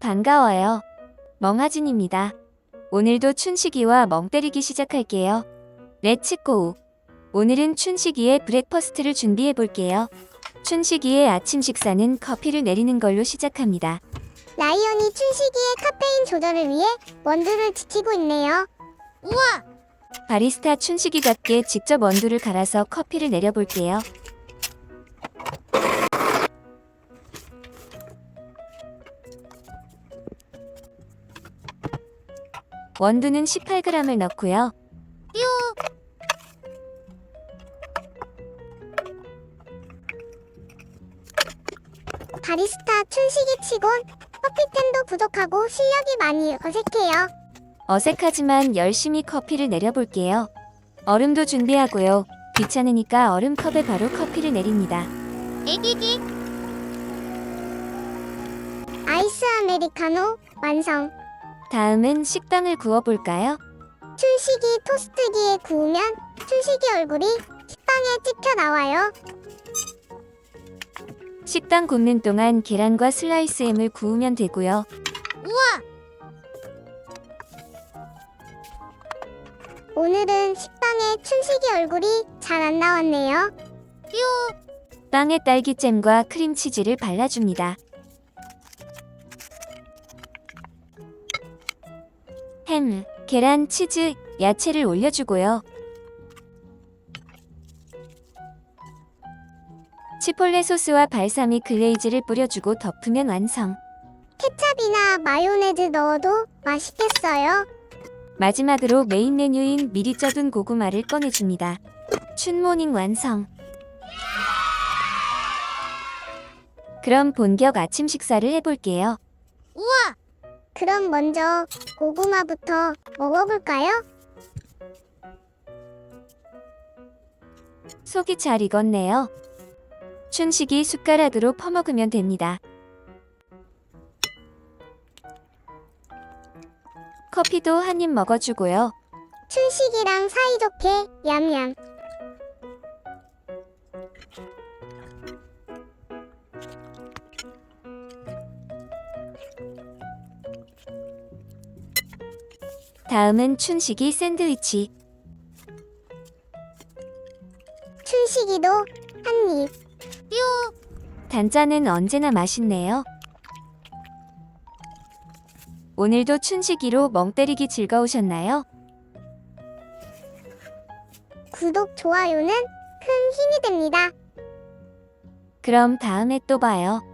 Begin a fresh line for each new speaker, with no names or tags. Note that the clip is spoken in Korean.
반가워요. 멍하진입니다. 오늘도 춘식이와 멍 때리기 시작할게요. 렛츠고! 오늘은 춘식이의 브렉퍼스트를 준비해 볼게요. 춘식이의 아침 식사는 커피를 내리는 걸로 시작합니다.
라이언이 춘식이의 카페인 조절을 위해 원두를 지키고 있네요. 우와!
바리스타 춘식이답게 직접 원두를 갈아서 커피를 내려볼게요. 원두는 18g을 넣고요.
바리스타 춘식이 치곤 커피템도 부족하고 실력이 많이 어색해요.
어색하지만 열심히 커피를 내려볼게요. 얼음도 준비하고요. 귀찮으니까 얼음컵에 바로 커피를 내립니다.
에기기. 아이스 아메리카노 완성.
다음은 식빵을 구워볼까요?
춘식이 토스트기에 구우면 춘식이 얼굴이 식빵에 찍혀 나와요.
식빵 굽는 동안 계란과 슬라이스 햄을 구우면 되고요.
우와! 오늘은 식빵에 춘식이 얼굴이 잘 안 나왔네요.
빵에 딸기잼과 크림치즈를 발라줍니다. 햄, 계란, 치즈, 야채를 올려주고요. 치폴레 소스와 발사믹 글레이즈를 뿌려주고 덮으면 완성.
케찹이나 마요네즈 넣어도 맛있겠어요.
마지막으로 메인 메뉴인 미리 쪄둔 고구마를 꺼내줍니다. 춘모닝 완성. 그럼 본격 아침 식사를 해볼게요.
우와! 그럼 먼저 고구마부터 먹어볼까요?
속이 잘 익었네요. 춘식이 숟가락으로 퍼먹으면 됩니다. 커피도 한 입 먹어주고요.
춘식이랑 사이좋게 얌얌.
다음은 춘식이 샌드위치.
춘식이도 한 입.
단짠은 언제나 맛있네요. 오늘도 춘식이로 멍 때리기 즐거우셨나요?
구독, 좋아요는 큰 힘이 됩니다.
그럼 다음에 또 봐요.